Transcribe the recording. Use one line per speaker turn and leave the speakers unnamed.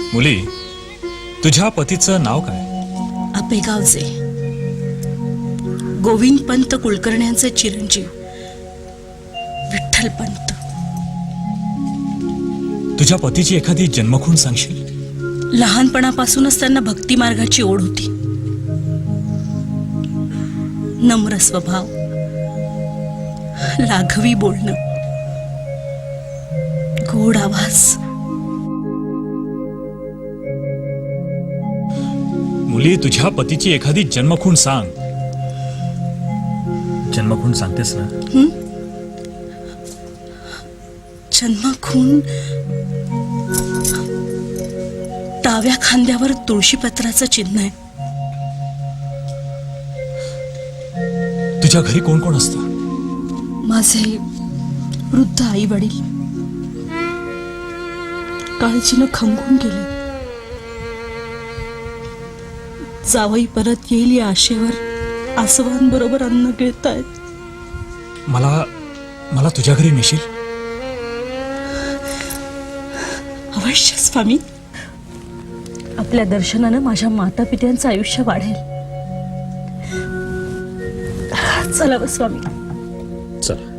मुली, तुझ्या पतीचं नाव काय?
आपेगावचे गोविंद पंत कुलकर्ण्यांचे चिरंजीव विठ्ठल पंत.
तुझ्या पतीची एखादी जन्मखूण सांगशील?
लहानपणापासूनच त्यांना भक्ती मार्गाची ओढ होती. नम्र स्वभाव, लाघवी बोलणं, गोड आवाज.
मुली, तुझ्या पतीची एखादी जन्मखूण सांग. जन्मखूण सांगतेस ना?
जन्मखूण डाव्या खांद्यावर तुळशीपत्राचं चिन्ह आहे.
तुझ्या घरी कोण कोण असतं?
माझे वृद्ध आई वडील काळजीनं खंगून गेले. जावई परत येईल या आशेवर आसवांबरोबर अन्न गिळतायत.
मला तुझ्या घरी नेशील?
अवश्य स्वामी. आपल्या दर्शनानं माझ्या माता पित्यांचं आयुष्य वाढेल. चला स्वामी.
चल.